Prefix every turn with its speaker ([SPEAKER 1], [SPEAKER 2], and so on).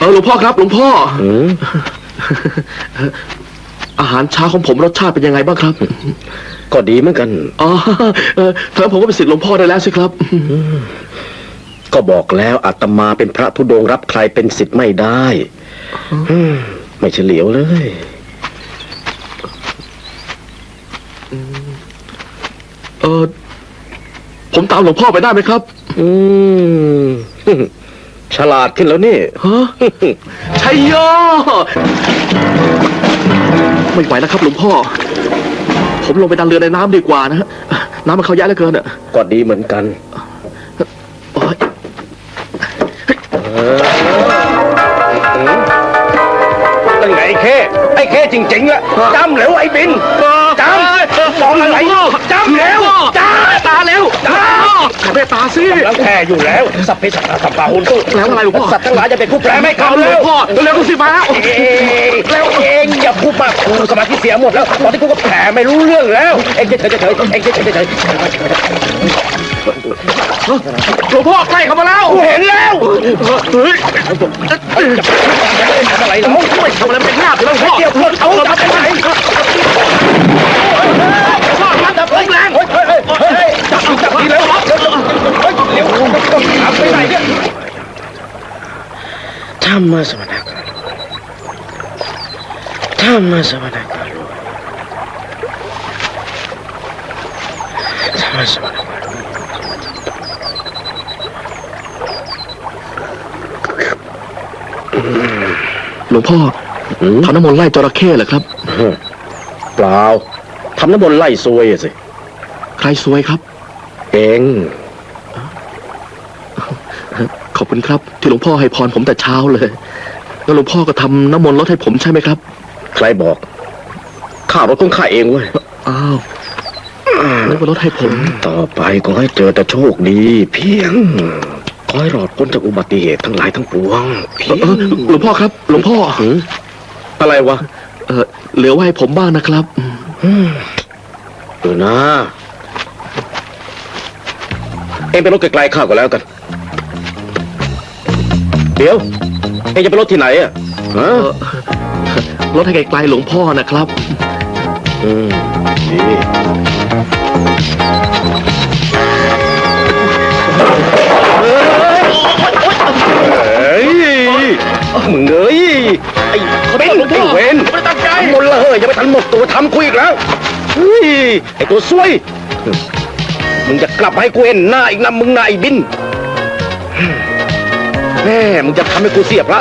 [SPEAKER 1] หลวงพ่อครับหลวงพ่ออาหารเช้าของผมรสชาติเป็นยังไงบ้างครับ
[SPEAKER 2] ก็ดีเหมือนกัน
[SPEAKER 1] ถ้าผมก็เป็นศิษย์หลวงพ่อได้แล้วสิครับ
[SPEAKER 2] ก็บอกแล้วอาตมาเป็นพระธุดงค์รับใครเป็นศิษย์ไม่ได้ไม่เฉลียวเลย
[SPEAKER 1] ผมตามหลวงพ่อไปได้ไหมครับ
[SPEAKER 2] ฉลาดขึ้นแล้วนี่
[SPEAKER 1] ฮะชัยโยไม่ไหวแล้วครับหลวงพ่อผมลงไปดันเรือในน้ำดีกว่านะฮะน้ำมันเข้าแย่เหลือเกินอ่ะ
[SPEAKER 2] ก็ดีเหมือนกันเป็นไงไอ้เข้จริงๆอะจำเหลวไอ้บินจำมองอะไรจำเหลว
[SPEAKER 1] ตาแล้วแม่ตาสิ
[SPEAKER 2] แล้วแค่อยู่แล้วสัพเพสัตตาสัมปาหุนตุ
[SPEAKER 1] แล้วอะไรหลวงพ่อ
[SPEAKER 2] สัตว์ทั้งหลายจะเป็นผู้แปลไม่เข้า
[SPEAKER 1] หลวงพ่อเร็วสิมา
[SPEAKER 2] แล้วเองอย่าพูดมากกูสมาธิเสียหมดแล้วตอนที่กูก็แผลไม่รู้เรื่องแล้วเองเฉยเองเฉย
[SPEAKER 1] หลวงพ่อใกล้เข้ามาแล้ว
[SPEAKER 2] เห็นแล้ว
[SPEAKER 1] เฮ้ย
[SPEAKER 2] ทำอะไรเรา
[SPEAKER 1] ไม่ทำอะไรไม่พลาดเลยหลวงพ่อ
[SPEAKER 2] เดี๋ยวเขาทำอะไร
[SPEAKER 1] พ่อจับแรง
[SPEAKER 2] จับดีแล้วเร็วต้องถามไปไหนเนี่ยธรรมะสมณะการธรรมะสมณะการธรรมะสมณะการ
[SPEAKER 1] หลวงพ่อทำน้ำมนต์ไล่จระเข้เหรอครับ
[SPEAKER 2] เปล่าทำน้ำมนต์ไล่ซวยสิ
[SPEAKER 1] ใครซวยครับ
[SPEAKER 2] เอง
[SPEAKER 1] ขอบคุณครับที่หลวงพ่อให้พรผมแต่เช้าเลยแล้วหลวงพ่อก็ทำน้ำมนต์ลดให้ผมใช่ไหมครับ
[SPEAKER 2] ใครบอกข้ารถของข้าเองเว้ย
[SPEAKER 1] อ้าวแล้วก็ลดให้ผม
[SPEAKER 2] ต่อไปก็ให้เจอแต่โชคดีเพียงขอให้รอดพ้นจากอุบัติเหตุทั้งหลายทั้งปวง
[SPEAKER 1] หลวงพ่อครับหลวงพ่อ
[SPEAKER 2] อะไรวะ
[SPEAKER 1] เหลือไว้ให้ผมบ้างนะครับ
[SPEAKER 2] นะเอ็งไปรถไกลๆข้าก็แล้วกันเดี๋ยวเอ็งจะไปรถที่ไหนอ่ะ
[SPEAKER 1] รถให้ไกลๆหลวงพ่อนะครับ
[SPEAKER 2] ดีมึงเอ้ยไอ้เป็นไอ้เวนไม่ตั้งใจหมดเลยยังไม่ทันหมดตัวทำคุยอีกแล้วเฮ้ยไอ้ตัวซวยมึงจะกลับให้กูเห็นหน้าอีกนะมึงนายบินแม่มึงจะทำให้กูเสียพระ